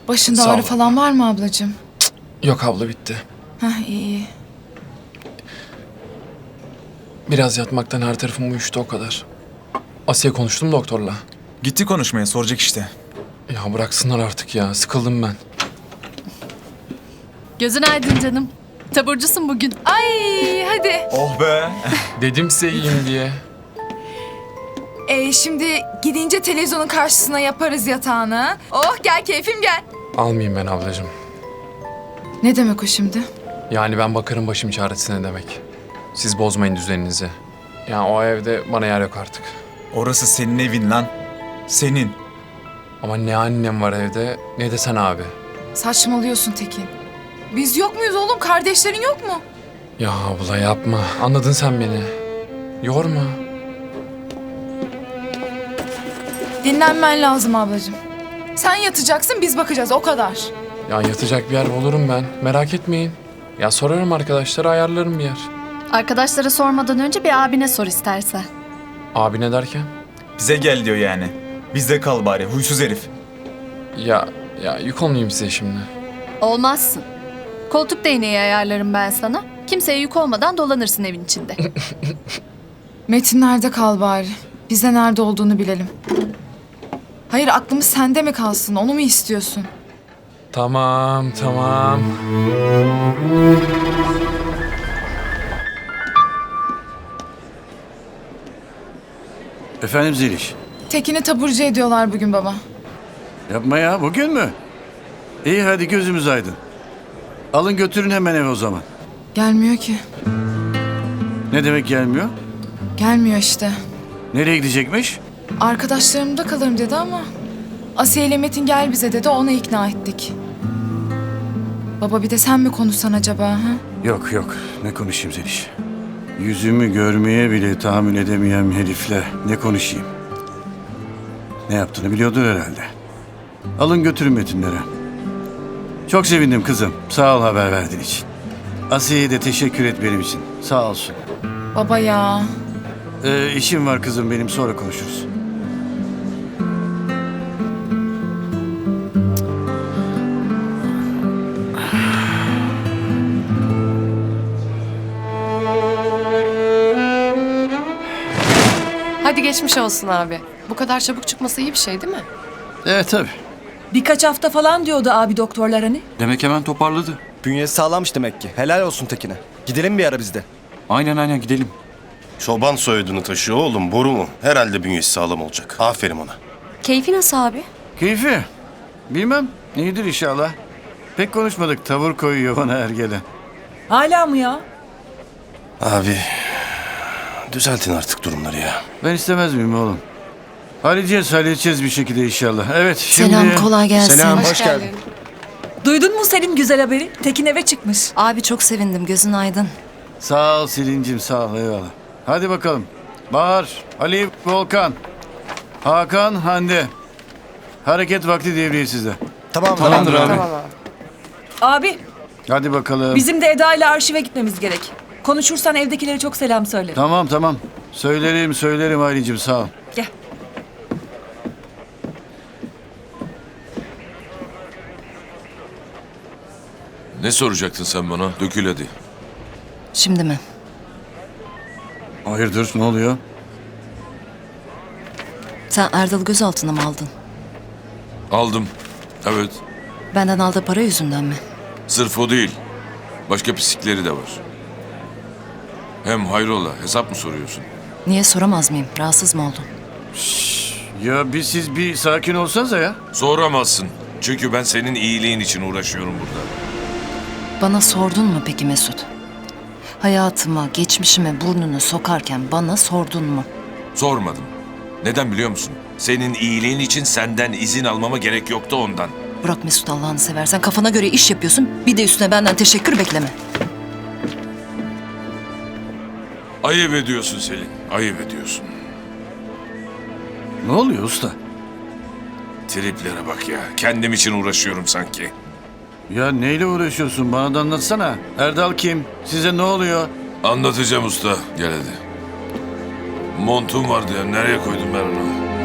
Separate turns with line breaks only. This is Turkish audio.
Başında
Sağ
ağrı
ol.
falan var mı ablacığım?
Yok abla, bitti.
Heh, iyi.
Biraz yatmaktan her tarafım uyuştu, o kadar. Asiye, konuştum doktorla.
Gitti konuşmaya, soracak işte.
Ya bıraksınlar artık ya, sıkıldım ben.
Gözün aydın canım. Taburcusun bugün.
Ay hadi.
Oh be!
Dedim size iyiyim diye.
Şimdi gidince televizyonun karşısına yaparız yatağını. Oh gel keyfim gel.
Almayayım ben ablacığım.
Ne demek o şimdi?
Yani ben bakarım başım çaresine demek. Siz bozmayın düzeninizi. Yani o evde bana yer yok artık.
Orası senin evin lan. Senin.
Ama ne annem var evde, ne de sen abi.
Saçmalıyorsun Tekin. Biz yok muyuz oğlum? Kardeşlerin yok mu?
Ya abla yapma, anladın sen beni. Yorma.
Dinlenmen lazım ablacığım. Sen yatacaksın biz bakacağız o kadar.
Ya yatacak bir yer bulurum ben, merak etmeyin. Ya sorarım arkadaşlara, ayarlarım bir yer.
Arkadaşlara sormadan önce bir abine sor istersen.
Abi ne derken?
Bize gel diyor yani. Bizde kal bari, huysuz herif.
Ya yük olmayayım size şimdi.
Olmazsın. Koltuk değneği ayarlarım ben sana. Kimseye yük olmadan dolanırsın evin içinde.
Metin nerede kal bari? Biz de nerede olduğunu bilelim. Hayır aklımız sende mi kalsın? Onu mu istiyorsun?
Tamam.
Efendim Zeliş.
Tekin'i taburcu ediyorlar bugün baba.
Yapma ya, bugün mü? İyi hadi gözümüz aydın. Alın götürün hemen eve o zaman.
Gelmiyor ki.
Ne demek gelmiyor?
Gelmiyor işte.
Nereye gidecekmiş?
Arkadaşlarımda kalırım dedi ama... Asiye ile Metin gel bize dedi, ona ikna ettik. Baba bir de sen mi konuşsan acaba ha?
Yok yok, ne konuşayım Zeliş? Yüzümü görmeye bile tahammül edemeyen herifle ne konuşayım? Ne yaptığını biliyordur herhalde. Alın götürün Metinlere. Çok sevindim kızım. Sağ ol haber verdiğin için. Asiye'ye de teşekkür et benim için. Sağ olsun.
Baba ya.
İşim var kızım benim, sonra konuşuruz.
Hadi geçmiş olsun abi. Bu kadar çabuk çıkması iyi bir şey değil mi?
Evet tabii.
Birkaç hafta falan diyordu abi doktorlar hani.
Demek hemen toparladı.
Bünyesi sağlammış demek ki. Helal olsun Tekin'e. Gidelim bir ara biz de.
Aynen gidelim.
Çoban soyadını taşıyor oğlum, boru mu? Herhalde bünyesi sağlam olacak. Aferin ona.
Keyfi nasıl abi?
Keyfi? Bilmem. İyidir inşallah. Pek konuşmadık. Tavır koyuyor bana her gelen.
Hala mı ya?
Abi, düzeltin artık durumları ya.
Ben istemez miyim oğlum? Halledeceğiz bir şekilde inşallah. Evet şimdi...
Selam, kolay gelsin.
Selam, hoş geldin.
Duydun mu senin güzel haberi? Tekin eve çıkmış.
Abi çok sevindim, gözün aydın.
Sağ ol Selin'cim, sağ ol, eyvallah. Hadi bakalım. Bahar, Ali, Volkan, Hakan, Hande. Hareket vakti devriye sizde.
Tamamdır abi.
Abi
Hadi bakalım.
bizim de Eda ile arşive gitmemiz gerek. Konuşursan evdekilere çok selam söyle.
Tamam. Söylerim Aylin'cim, sağ ol.
Gel.
Ne soracaktın sen bana? Dökül hadi.
Şimdi mi?
Hayırdır, ne oluyor?
Sen Erdal'ı gözaltına mı aldın?
Aldım. Evet.
Benden aldığı para yüzünden mi?
Sırf o değil. Başka pislikleri de var. Hem hayrola, hesap mı soruyorsun?
Niye soramaz mıyım? Rahatsız mı oldun?
Ya siz bir sakin olsanıza ya.
Soramazsın. Çünkü ben senin iyiliğin için uğraşıyorum burada.
Bana sordun mu peki Mesut? Hayatıma, geçmişime burnunu sokarken bana sordun mu?
Sormadım. Neden biliyor musun? Senin iyiliğin için senden izin almama gerek yoktu ondan.
Bırak Mesut, Allah'ını seversen, kafana göre iş yapıyorsun. Bir de üstüne benden teşekkür bekleme.
Ayıp ediyorsun Selin. Ayıp ediyorsun.
Ne oluyor usta?
Triplere bak ya. Kendim için uğraşıyorum sanki.
Ya neyle uğraşıyorsun? Bana da anlatsana. Erdal kim? Size ne oluyor?
Anlatacağım usta. Gel hadi. Montum vardı ya. Nereye koydum ben onu?